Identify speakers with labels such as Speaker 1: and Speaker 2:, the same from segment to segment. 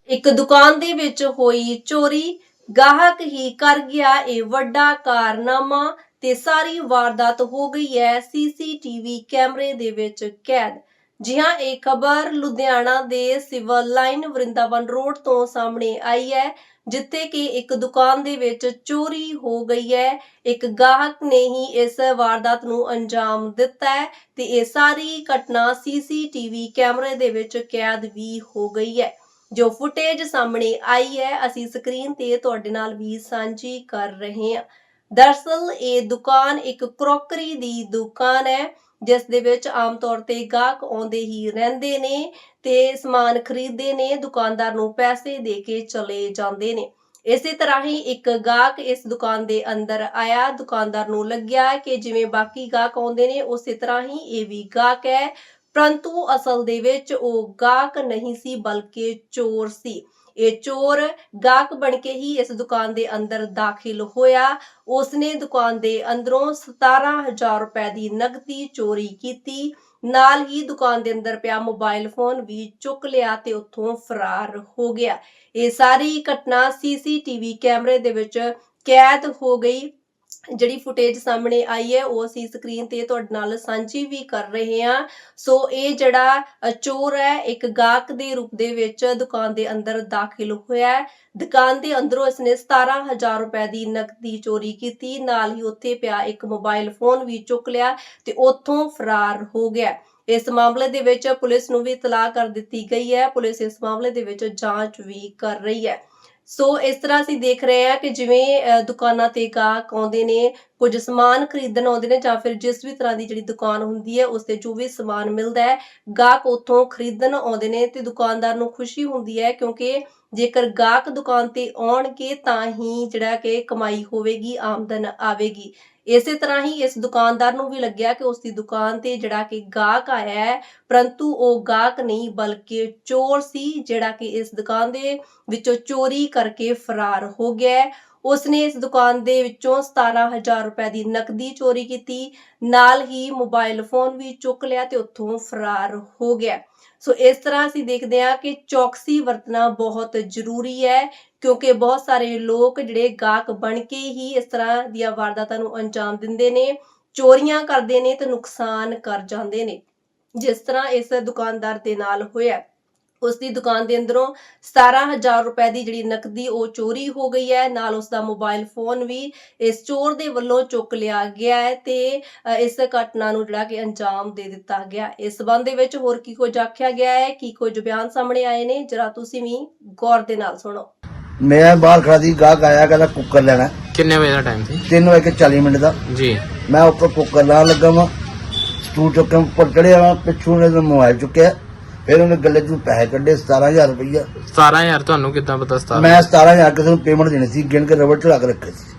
Speaker 1: ਇੱਕ ਦੁਕਾਨ ਦੇ ਵਿੱਚ ਹੋਈ ਚੋਰੀ, ਗਾਹਕ ਹੀ ਕਰ ਗਿਆ ਇਹ ਵੱਡਾ ਕਾਰਨਾਮਾ ਤੇ ਸਾਰੀ ਵਾਰਦਾਤ ਹੋ ਗਈ ਹੈ ਸੀਸੀਟੀਵੀ ਕੈਮਰੇ ਦੇ ਵਿੱਚ ਕੈਦ। जी हाँ, एक खबर लुधियाना दे सिविल लाइन वृंदावन रोड तो सामने आई है, जिथे कि एक दुकान दे विच चोरी हो गई है। एक गाहक ने ही इस वारदात नूं अंजाम दिता है ते ये सारी घटना सीसीटीवी कैमरे दे विच कैद भी हो गई है। जो फुटेज सामने आई है असी स्क्रीन ते तुहाडे नाल भी सांझी कर रहे हैं। दरअसल ये दुकान एक क्रॉकरी दी दुकान है, जिस दे विच आम तौर ते गाहक आउंदे ही रहिंदे ने ते समान खरीददे ने, दुकानदार नूं पैसे दे के चले जांदे ने। इसे तरह ही एक गाहक इस दुकान दे अंदर आया, दुकानदार नूं लग्या कि जिवें बाकी गाहक आउंदे ने उसे तरह ही ये भी गाहक है, परंतु असल दे विच ओह गाहक नहीं सी बल्कि चोर सी। ये चोर गाहक बन के ही इस दुकान दे अंदर दाखिल होया। उसने दुकान दे अंदरों 17,000 रुपए दी नगदी चोरी कीती, नाल ही दुकान दे अंदर पिया मोबाइल फोन भी चुक लिया ते उत्थों फरार हो गया। ये सारी घटना सीसीटीवी कैमरे दे विच कैद हो गई। ਜਿਹੜੀ ਫੁਟੇਜ ਸਾਹਮਣੇ ਆਈ ਹੈ ਉਹ ਅਸੀਂ ਸਕਰੀਨ ਤੇ ਤੁਹਾਡੇ ਨਾਲ ਸਾਂਝੀ ਵੀ ਕਰ ਰਹੇ ਹਾਂ। ਸੋ ਇਹ ਜਿਹੜਾ ਚੋਰ ਹੈ ਇੱਕ ਗਾਹਕ ਦੇ ਰੂਪ ਦੇ ਵਿੱਚ ਦੁਕਾਨ ਦੇ ਅੰਦਰ ਦਾਖਲ ਹੋਇਆ ਹੈ। ਦੁਕਾਨ ਦੇ ਅੰਦਰੋਂ ਇਸਨੇ 17,000 ਰੁਪਏ ਦੀ ਨਕਦੀ ਚੋਰੀ ਕੀਤੀ, ਨਾਲ ਹੀ ਉੱਥੇ ਪਿਆ ਇੱਕ ਮੋਬਾਈਲ ਫੋਨ ਵੀ ਚੁੱਕ ਲਿਆ ਤੇ ਉੱਥੋਂ ਫਰਾਰ ਹੋ ਗਿਆ। ਇਸ ਮਾਮਲੇ ਦੇ ਵਿੱਚ ਪੁਲਿਸ ਨੂੰ ਵੀ ਇਤਲਾਹ ਕਰ ਦਿੱਤੀ ਗਈ ਹੈ। ਪੁਲਿਸ ਇਸ ਮਾਮਲੇ ਦੇ ਵਿੱਚ ਜਾਂਚ ਵੀ ਕਰ ਰਹੀ ਹੈ। सो इस तरह ਅਸੀਂ देख रहे हैं कि जिवें दुकानां ते गाहक आउंदे ने, कुछ समान खरीदण आउंदे ने जां फिर जिस भी तरह की जिहड़ी दुकान हुंदी है उस ते जो भी समान मिलदा है गाहक उत्थों खरीदण आउंदे ने ते दुकानदार नूं खुशी हुंदी है, क्योंकि जेकर गाहक दुकान ते आउणगे तां ही जिहड़ा कि कमाई होवेगी, आमदन आवेगी। इसे तरह ही इस दुकानदार नूं भी लग्या कि उसकी दुकान ते जिहड़ा कि गाहक आया है, परंतु वो गाहक नहीं बल्कि चोर सी, जिहड़ा कि इस दुकान दे विचों चोरी करके फरार हो गया है। उसने इस दुकान दे विचों 17,000 रुपए दी नकदी चोरी की, नाल ही मोबाइल फोन भी चुक लिया ते उत्थों फरार हो गया। सो इस तरह असीं देखदे हां कि चौकसी वरतना बहुत जरूरी है, क्योंकि बहुत सारे लोग जिहड़े गाहक बन के ही इस तरह दीयां वारदातां नूं अंजाम दिंदे ने, चोरियां करदे ने ते नुकसान कर जांदे ने, जिस तरह इस दुकानदार दे नाल होया। उसकी दुकान के अंदरों 17,000 रुपए की जिहड़ी नकदी वो चोरी हो गई है, नाल उसका मोबाइल फोन भी इस चोर दे वल्लों चुक लिया गया है ते इस घटना नूं जिहड़ा कि अंजाम दे दिता गया। इस संबंध दे विच होर की कुछ आख्या गया है, की कुछ बयान सामने आए ने, जरा तुसीं भी गौर दे नाल सुणो।
Speaker 2: मैं बाहर खड़ा सी, गाहक आया कहता कुकर लेना।
Speaker 3: किन्ने बजे दा टाइम सी?
Speaker 2: 3:40 दा जी। मैं ऊपर कुकर ला लगा वा, स्टूल चुक के ऊपर चढ़िया वा, पिछू ने मोबाइल चुक्या, फिर उन्हें गले चों पैसे कड्ढे 17,000 रुपया।
Speaker 3: 17,000 ਤੁਹਾਨੂੰ ਕਿੱਦਾਂ ਪਤਾ? 17
Speaker 2: मैं 17,000 ਕਿਸੇ ਨੂੰ ਪੇਮੈਂਟ ਦੇਣੀ ਸੀ, ਗਿਣ ਕੇ ਰਬੜ ਚੜਾ ਕੇ ਰੱਖੇ ਸੀ।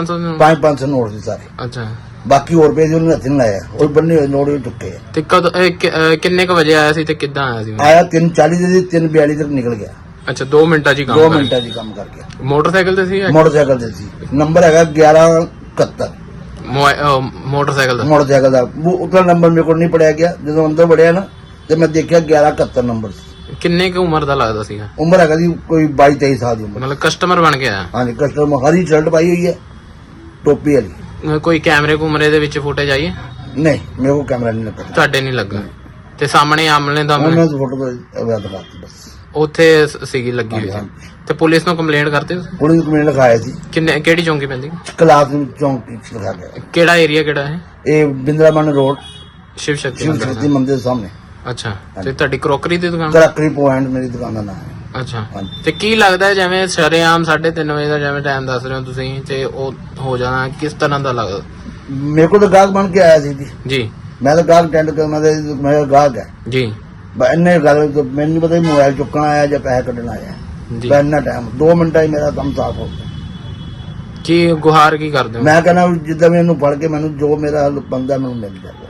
Speaker 2: 500 ਨੋਟ ਸੀ ਸਾਰੇ।
Speaker 3: ਅੱਛਾ,
Speaker 2: ਬਾਕੀ ਹੋਰ ਰੁਪਏ ਉਹਨੇ ਹੱਥ ਨਹੀਂ ਲਾਇਆ, ਉਹ ਬੰਨੇ ਹੋਏ ਨੋਟ ਹੀ ਚੁੱਕੇ ਆ।
Speaker 3: ਤੇ ਕਦੋਂ ਕਿੰਨੇ ਕ ਵਜੇ ਆਇਆ ਸੀ ਤੇ ਕਿੱਦਾਂ ਆਇਆ ਸੀ?
Speaker 2: ਆਇਆ 3:40 ਦੇ 3:42 ਤੱਕ ਨਿਕਲ ਗਿਆ।
Speaker 3: ਅੱਛਾ, 2 ਮਿੰਟਾਂ 'ਚ ਹੀ ਕੰਮ
Speaker 2: 2 ਮਿੰਟਾਂ 'ਚ ਕੰਮ ਕਰ ਗਿਆ।
Speaker 3: ਮੋਟਰਸਾਈਕਲ ਤੇ ਸੀ?
Speaker 2: ਮੋਟਰਸਾਈਕਲ ਤੇ ਸੀ। ਨੰਬਰ ਹੈਗਾ 1171
Speaker 3: ਮੋਟਰਸਾਈਕਲ ਦਾ।
Speaker 2: ਮੋਟਰਸਾਈਕਲ ਦਾ ਉਤਲਾ ਨੰਬਰ ਮੇਰੇ ਕੋਲ ਨਹੀਂ ਪੜਿਆ ਗਿਆ। ਜਦੋਂ ਅੰਦਰ ਵੜਿਆ ਨਾ ਤੇ ਮੈਂ ਦੇਖਿਆ 1171 ਨੰਬਰ ਸੀ।
Speaker 3: ਕਿੰਨੇ ਕੁ ਉਮਰ ਦਾ ਲੱਗਦਾ ਸੀਗਾ?
Speaker 2: ਉਮਰ ਹੈਗਾ ਜੀ ਕੋਈ 22-23 ਸਾਲ ਦੀ ਉਮਰ।
Speaker 3: ਮਤਲਬ ਕਸਟਮਰ ਬਣ ਕੇ ਆਇਆ?
Speaker 2: ਹਾਂਜੀ, ਕਸਟਮਰ। ਹਰੀ ਸ਼ਰਟ ਪਾਈ ਹੋਈ ਹੈ, ਟੋਪੀ ਵਾਲੀ।
Speaker 3: ਕੋਈ ਕੈਮਰੇ ਕੁਮਰੇ ਦੇ ਵਿੱਚ ਫੁਟੇਜ ਆਈ ਹੈ?
Speaker 2: ਨਹੀਂ, ਮੇਰੇ ਕੋਲ ਕੈਮਰਾ ਨਹੀਂ ਲੱਗਾ।
Speaker 3: ਤੁਹਾਡੇ ਨਹੀਂ ਲੱਗਾ? ਤੇ ਸਾਹਮਣੇ ਆਮਲੇ ਦਾ
Speaker 2: ਮੈਂ ਫੋਟੋ ਦਿਖਾਤੀ ਬਸ।
Speaker 3: ਉੱਥੇ ਸੀਗੀ ਲੱਗੀ ਹੋਈ ਸੀ। ਤੇ ਪੁਲਿਸ ਨੂੰ ਕੰਪਲੇਂਟ ਕਰਤੇ?
Speaker 2: ਪੁਲਿਸ ਨੂੰ ਕੰਪਲੇਂਟ ਲਿਖਾਇਆ ਸੀ।
Speaker 3: ਕਿਹੜੀ ਚੌਂਕੀ ਪੈਂਦੀ?
Speaker 2: ਕਲਾਸ ਚੌਂਕ ਲਿਖਾ ਗਿਆ।
Speaker 3: ਕਿਹੜਾ ਏਰੀਆ ਕਿਹੜਾ ਹੈ
Speaker 2: ਇਹ? ਬਿੰਦਰਾਮਨ ਰੋਡ,
Speaker 3: शिव शक्ति
Speaker 2: मंदिर सामने।
Speaker 3: अच्छा, ਤੇ ਤੁਹਾਡੀ ਕਰੋਕਰੀ ਦੀ ਦੁਕਾਨ?
Speaker 2: ਕਰੋਕਰੀ ਪੁਆਇੰਟ ਮੇਰੀ ਦੁਕਾਨ ਦਾ ਨਾਮ ਹੈ।
Speaker 3: ਅੱਛਾ, ਤੇ ਕੀ ਲੱਗਦਾ ਜਿਵੇਂ ਸ਼ਰੇਆਮ 3:30 ਵਜੇ ਦਾ ਜਿਵੇਂ ਟਾਈਮ ਦੱਸ ਰਹੇ ਹੋ ਤੁਸੀਂ, ਤੇ ਉਹ ਹੋ ਜਾਣਾ ਕਿਸ ਤਰ੍ਹਾਂ ਦਾ ਲੱਗਦਾ?
Speaker 2: ਮੇਰੇ ਕੋਲ ਤਾਂ ਗਾਹਕ ਬਣ ਕੇ ਆਇਆ ਸੀ
Speaker 3: ਜੀ।
Speaker 2: ਮੈਂ ਤਾਂ ਗਾਹਕ ਅਟੈਂਡ ਕਰਨਾ ਤੇ ਮੇਰਾ ਗਾਹਕ ਹੈ
Speaker 3: ਜੀ।
Speaker 2: ਇੰਨੇ ਗੱਲ ਮੈਨੂੰ ਨਹੀਂ ਪਤਾ ਮੋਬਾਈਲ ਚੁੱਕਣਾ ਆਇਆ ਜਾਂ ਪੈਸੇ ਕੱਢਣ ਆਇਆ ਜੀ। ਇੰਨਾ ਟਾਈਮ 2 ਮਿੰਟਾਂ ਹੀ ਮੇਰਾ ਕੰਮ ਸਾਫ਼ ਹੋ ਗਿਆ। ਕੀ ਗੁਹਾਰ ਕੀ ਕਰਦੇ ਹੋ? ਮੈਂ ਕਹਿੰਦਾ ਜਿੱਦਾਂ ਮੈਨੂੰ ਫੜ ਕੇ ਮੈਨੂੰ ਜੋ ਮੇਰਾ ਬੰਦਾ ਮੈਨੂੰ ਮਿਲ ਜਾਵੇ।